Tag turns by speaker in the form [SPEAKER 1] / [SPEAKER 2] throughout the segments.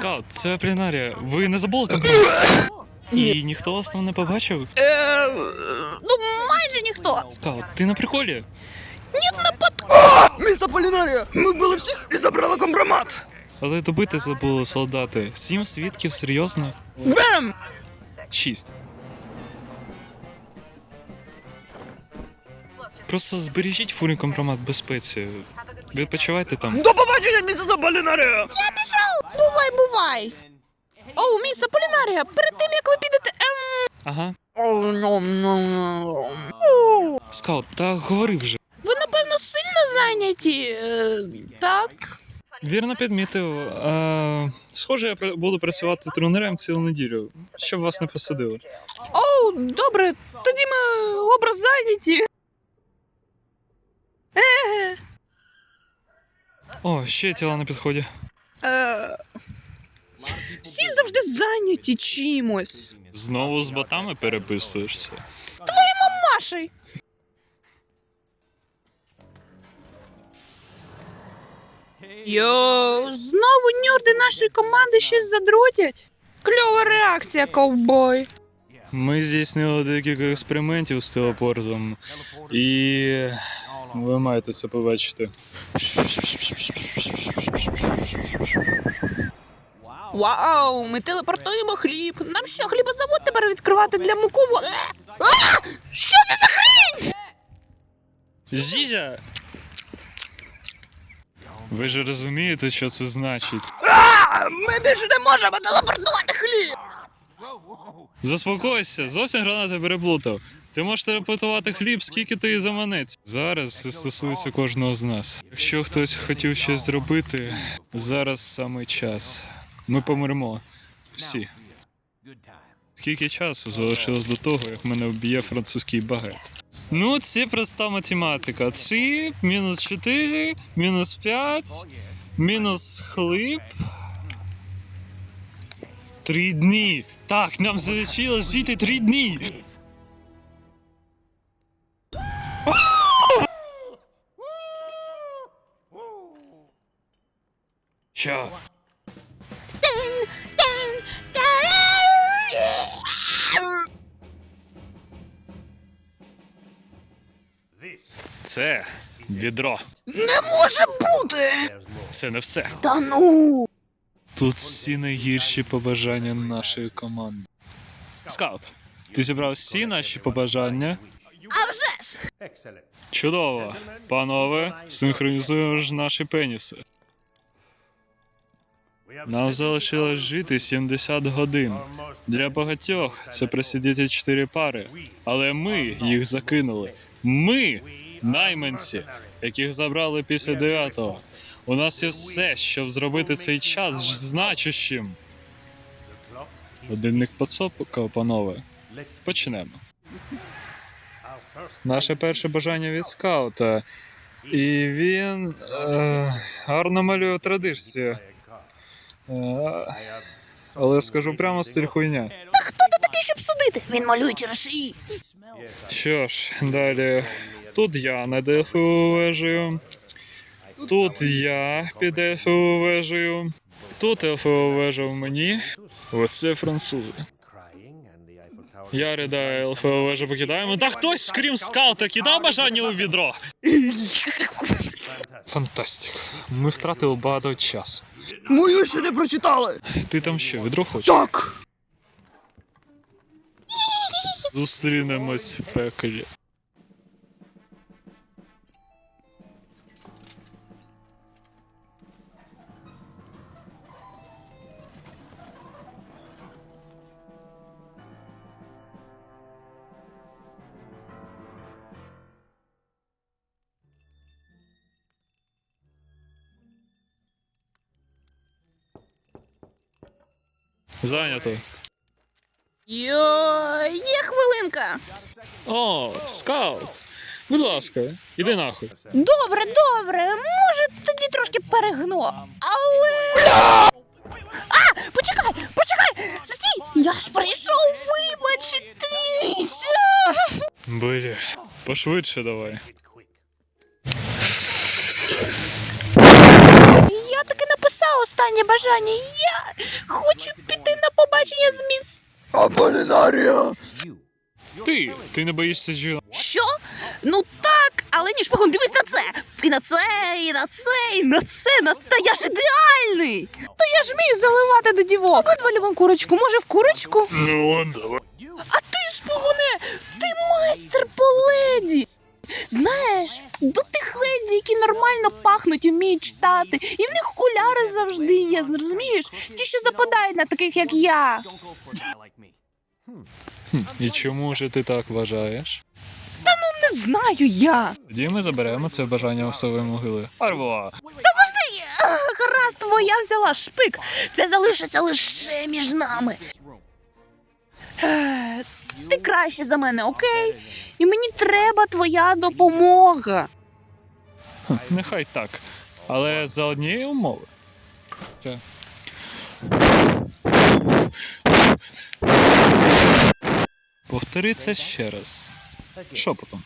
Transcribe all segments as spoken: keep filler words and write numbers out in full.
[SPEAKER 1] Скаут, це Плінарія. Ви не забули компромат? І ніхто вас там не побачив?
[SPEAKER 2] Е, ну, майже ніхто.
[SPEAKER 1] Скаут, ти на приколі?
[SPEAKER 2] Ні, на под...
[SPEAKER 3] Місто Полінарія! Ми вбили всіх і забрали компромат!
[SPEAKER 1] Але добити забули солдати. Сім свідків, серйозно?
[SPEAKER 3] Бем!
[SPEAKER 1] Шість. Просто збережіть фурі компромат в безпеці. Відпочивайте там.
[SPEAKER 3] До побачення, місто Полінарія!
[SPEAKER 2] Я пішов! Бувай, бувай! Оу, міс Аполінарія, перед тим, як ви підете... Ем...
[SPEAKER 1] Ага.
[SPEAKER 2] Оу,
[SPEAKER 1] Скаут, та говори вже.
[SPEAKER 2] ви, напевно, сильно зайняті, е, так?
[SPEAKER 1] Вірно підмітив. А, схоже, я пр- буду працювати тренером цілу неділю, щоб вас не посадили.
[SPEAKER 2] Оу, добре, тоді ми образ зайняті. Еге.
[SPEAKER 1] О, ще тіла на підході.
[SPEAKER 2] Е, всі завжди зайняті чимось.
[SPEAKER 1] Знову з ботами переписуєшся.
[SPEAKER 2] Машей. Йоу, знову нюрди нашої команди щось задротять. Кльова реакція, ковбой.
[SPEAKER 1] Ми здійснили декілька експериментів з телепортом, і ви маєте це побачити.
[SPEAKER 2] Вау, ми телепортуємо хліб. Нам що, хлібозавод тепер відкривати для муково? Е! А! Що це за хрень?
[SPEAKER 1] Зізя! Ви ж розумієте, що це значить?
[SPEAKER 3] А, ми більше не можемо телепортувати хліб!
[SPEAKER 1] Заспокойся, зовсім гранати переплутав. Ти можеш телепортувати хліб, скільки ти заманець. Зараз це стосується кожного з нас. Якщо хтось хотів щось зробити, зараз саме час. Ми помремо. Всі. Скільки часу залишилось до того, як мене вб'є французький багет? Ну, це проста математика. три, мінус чотири, мінус п'ять, мінус хліб. Три дні. Так, нам залишилось жити три дні. Що? Це відро.
[SPEAKER 3] Не може бути!
[SPEAKER 1] Це не все.
[SPEAKER 3] Та ну!
[SPEAKER 1] Тут всі найгірші побажання нашої команди. Скаут, ти зібрав всі наші побажання?
[SPEAKER 2] А вже ж!
[SPEAKER 1] Чудово. Панове, синхронізуємо ж наші пеніси. Нам залишилось жити сімдесят годин. Для багатьох це просидіти чотири пари. Але ми їх закинули. Ми – найманці, яких забрали після дев'ятого. У нас є все, щоб зробити цей час значущим. Годинник поцопкав, панове. Почнемо. Наше перше бажання від скаута. І він е, гарно малює традиції. Е, але скажу прямо, стиль хуйня.
[SPEAKER 2] Та хто ти такий, щоб судити? Він малює через шиї.
[SPEAKER 1] Що ж, далі. Тут я над ельфовою вежею. Тут я під ельфовою вежею. Тут ельфова вежа в мені. Оце французи. Я ридаю, ельфова вежа покидаємо. Та хтось, крім скаута, кидав бажання у відро. Фантастик. Ми втратили багато часу.
[SPEAKER 3] Мою ще не прочитали!
[SPEAKER 1] Ти там що, відро хочеш?
[SPEAKER 3] Так!
[SPEAKER 1] Зустрінемось в пеклі. Зайнято.
[SPEAKER 2] Йо, є хвилинка.
[SPEAKER 1] О, скаут. Будь ласка, іди нахуй.
[SPEAKER 2] Добре, добре, може тоді трошки перегну, але... А, почекай, почекай, стій, я ж прийшов вибачитися.
[SPEAKER 1] Бля, пошвидше давай.
[SPEAKER 2] Я таки написала останнє бажання. Я хочу піти на побачення з міс...
[SPEAKER 3] Аполлінарія!
[SPEAKER 1] Ти, ти не боїшся жінок?
[SPEAKER 2] Що? Ну так, але ні, шпигун, дивись на це! І на це, і на це, і на це, на та я ж ідеальний! Та я ж вмію заливати до дівок. Видвалі вам курочку, може в курочку?
[SPEAKER 1] Ну, давай.
[SPEAKER 2] А ти, шпигуне, ти майстер по леді! Знаєш, до тих леді, які нормально пахнуть і вміють читати, і в них окуляри завжди є, зрозумієш? Ті, що западають на таких, як я.
[SPEAKER 1] І чому ж ти так вважаєш?
[SPEAKER 2] Не знаю я.
[SPEAKER 1] Тоді ми заберемо це бажання особої могили. Арво!
[SPEAKER 2] Та завжди, Ах, гаразд, твоя взяла шпик. Це залишиться лише між нами. Е, Ти краще за мене, окей? І мені треба твоя допомога.
[SPEAKER 1] Нехай так. Але за однієї умови. Ще. Повтори це ще раз. Шепотом.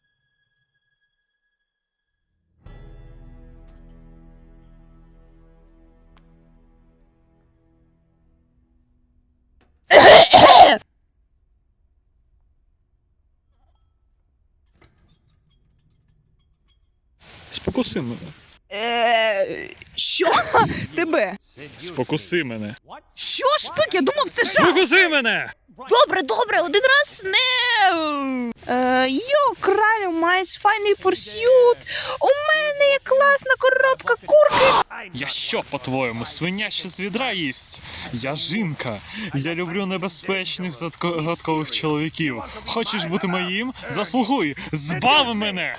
[SPEAKER 1] Спокуси мене.
[SPEAKER 2] Е, Що? Тебе?
[SPEAKER 1] Спокуси мене.
[SPEAKER 2] Що, шпик? Я думав, це жах.
[SPEAKER 1] Спокуси мене!
[SPEAKER 2] Добре, добре, один раз не. Е, Йо, кралю, маєш файний пурсют. У мене є класна коробка курки.
[SPEAKER 1] Я що, по-твоєму, свиня ще з відра їсть? Я жінка. Я люблю небезпечних задко- гадкових чоловіків. Хочеш бути моїм? Заслугуй! Збав мене!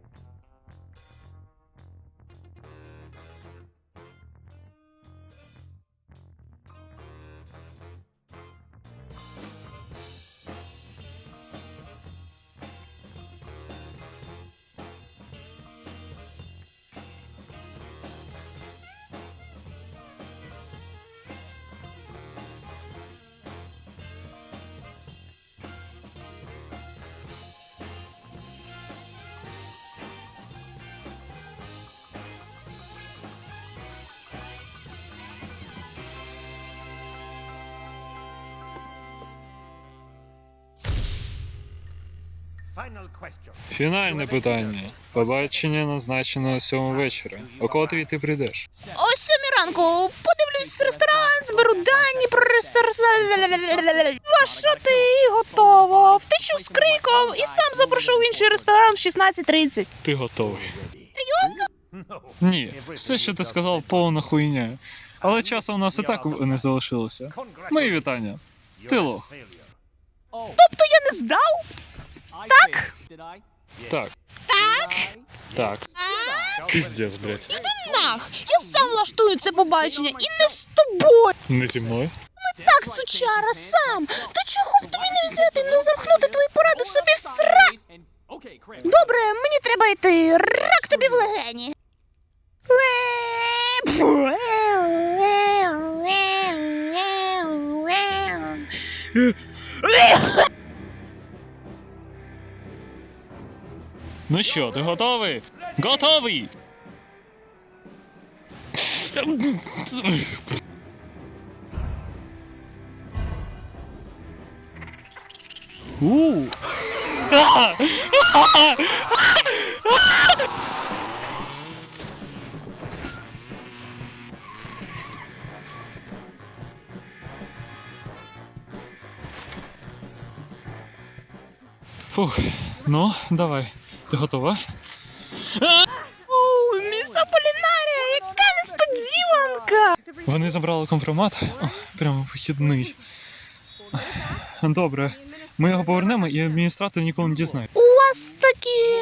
[SPEAKER 1] Фінальне питання. Побачення назначено на сьому вечора. О котрій ти прийдеш?
[SPEAKER 2] О сьомій ранку подивлюсь ресторан, зберу дані про ресторан. Ваша ти готова. Втечу з криком і сам запрошу в інший ресторан в шістнадцять тридцять.
[SPEAKER 1] Ти готовий. Ні, все, що ти сказав, повна хуйня. Але часу у нас і так не залишилося. Мої вітання. Ти лох.
[SPEAKER 2] Тобто я не здав? Так?
[SPEAKER 1] Так.
[SPEAKER 2] Так?
[SPEAKER 1] Так. Піздець, блядь.
[SPEAKER 2] Іди нах! Я сам влаштую це побачення і не з тобою.
[SPEAKER 1] Не зі мною?
[SPEAKER 2] Так, сучара, сам. То чого б тобі не взяти, не запхнути твої поради собі в сра... Добре, мені треба йти. Рак тобі в легені.
[SPEAKER 1] Ну що, ти готовий? Готовий! У. А! А! Фух, ну, давай. Ти готова?
[SPEAKER 2] О, міс Аполлінарія, яка несподіванка!
[SPEAKER 1] Вони забрали компромат. О, прямо вихідний. Добре. Ми його повернемо, і адміністратор ніколи не дізнає.
[SPEAKER 2] У вас такі...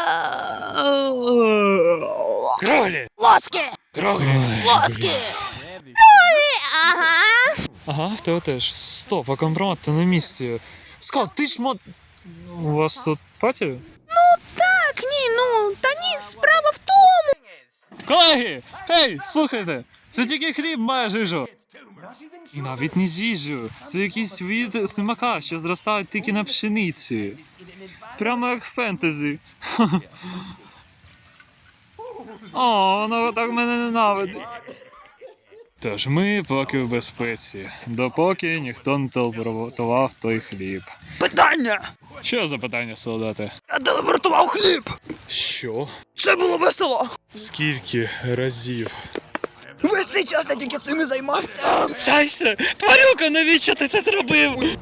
[SPEAKER 1] Кролі!
[SPEAKER 2] Лоски!
[SPEAKER 1] Кролі!
[SPEAKER 2] Лоски! Ой, ага.
[SPEAKER 1] Ага, в тебе теж. Стоп, а компромат то на місці. Скал, ти ж мо... У вас тут паті?
[SPEAKER 2] Ну так, ні, ну, та ні, справа в тому.
[SPEAKER 1] Колеги! Гей, слухайте! Це тільки хліб має жижу. І навіть не з'їжджу. Це якийсь від слимака, що зростають тільки на пшениці. Прямо як в фентезі. О, воно так мене ненавидить. Тож ми поки в безпеці, допоки ніхто не телепортував той хліб.
[SPEAKER 3] Питання!
[SPEAKER 1] Що за питання, солдати?
[SPEAKER 3] Я телепортував хліб!
[SPEAKER 1] Що?
[SPEAKER 3] Це було весело!
[SPEAKER 1] Скільки разів?
[SPEAKER 3] Весь цей час я тільки цим і займався!
[SPEAKER 1] Чайся! Тварюка, навіщо ти це зробив?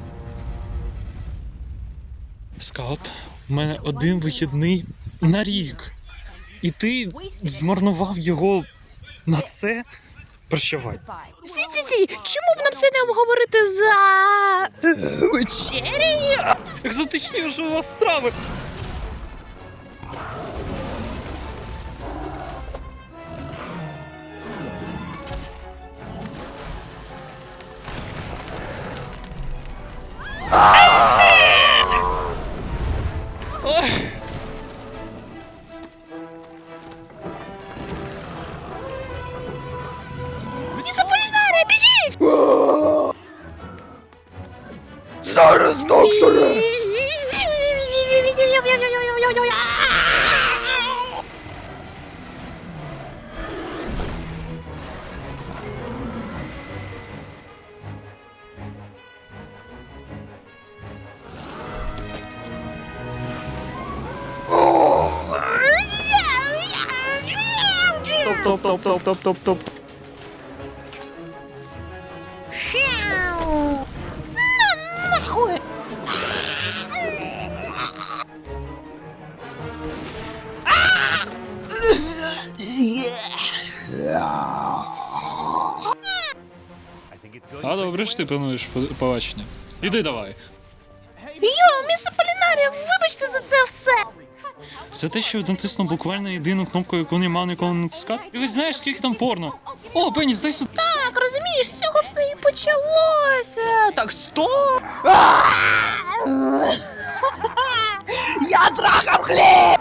[SPEAKER 1] Скаут, в мене один вихідний на рік. І ти змарнував його на це? Прощавай.
[SPEAKER 2] Стій-стій-стій, чому б нам це не обговорити за... вечерею?
[SPEAKER 1] Екзотичні ж у вас страви!
[SPEAKER 2] Ізополінарія, біжіть!
[SPEAKER 3] Зараз, докторе!
[SPEAKER 1] Топ-топ-топ-топ-топ-топ.
[SPEAKER 2] Хау! На нахуй!
[SPEAKER 1] А добре ж ти плануєш по- побачення. Іди давай.
[SPEAKER 2] Йо, міс Аполінарія, вибачте за це все!
[SPEAKER 1] Це те, що натиснув буквально єдину кнопку, яку не мав ніколи натискати. Ти хоч знаєш, скільки там порно? О, Пеніс, дай сюди.
[SPEAKER 2] Так, розумієш, з цього все і почалося. Так, стоп!
[SPEAKER 3] Я трахав хліб!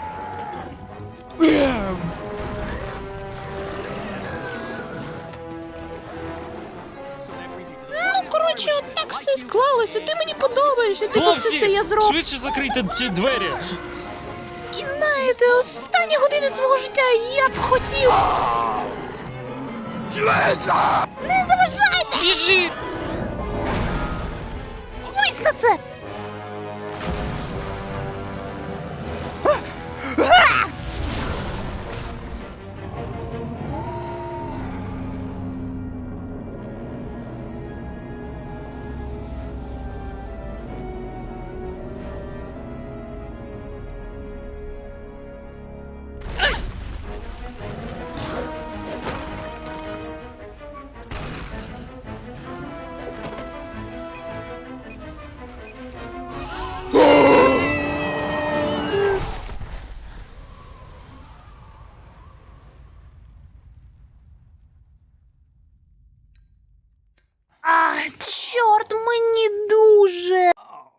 [SPEAKER 2] Ну, коротше, от так все склалося. Ти мені подобаєшся, ти все
[SPEAKER 1] Хлопці,
[SPEAKER 2] це я зроблю.
[SPEAKER 1] швидше закрийте ці двері.
[SPEAKER 2] І знаєте, останні години свого життя я б хотів.
[SPEAKER 3] Швидше!
[SPEAKER 2] Не заважайте!
[SPEAKER 1] Біжи!
[SPEAKER 2] Вись на це! А, чорт, мені дуже.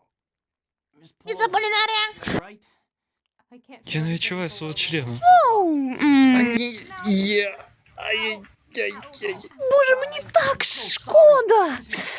[SPEAKER 2] Ізополінарія.
[SPEAKER 1] Я не відчуваю свого члена.
[SPEAKER 2] Оу, м,
[SPEAKER 3] Є. Ай-яй-яй.
[SPEAKER 2] Боже, мені так шкода.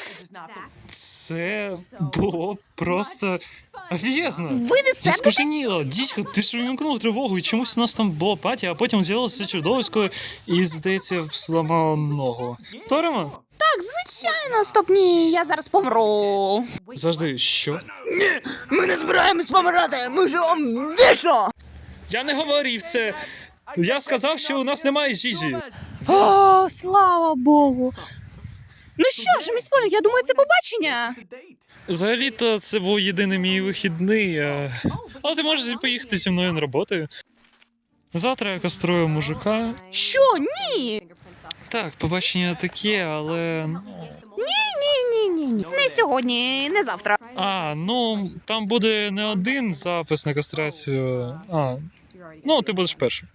[SPEAKER 1] Це було просто офігезно.
[SPEAKER 2] Ви не
[SPEAKER 1] Я
[SPEAKER 2] себе?
[SPEAKER 1] скаженіла, дідько, ти ж увімкнув тривогу, і чомусь у нас там було паті, а потім з'явилося чудовисько і, здається, зламало ногу. Торимо?
[SPEAKER 2] Так, звичайно, стоп, ні, я зараз помру.
[SPEAKER 1] Завжди, що?
[SPEAKER 3] Ні, ми не збираємось помирати, ми живемо вічно!
[SPEAKER 1] Я не говорив це. Я сказав, що у нас немає жижі.
[SPEAKER 2] О, слава Богу. Ну що ж, міс Полі, я думаю, це побачення.
[SPEAKER 1] Взагалі-то це був єдиний мій вихідний. А... Але ти можеш поїхати зі мною на роботу. Завтра я каструю мужика.
[SPEAKER 2] Що? Ні.
[SPEAKER 1] Так, побачення таке, але. ну...
[SPEAKER 2] Ні, ні, ні, ні. Не сьогодні, не завтра.
[SPEAKER 1] А, ну там буде не один запис на кастрацію. А, ну ти будеш першим.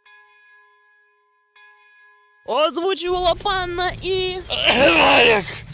[SPEAKER 2] Озвучувала панна і...
[SPEAKER 1] Геварик!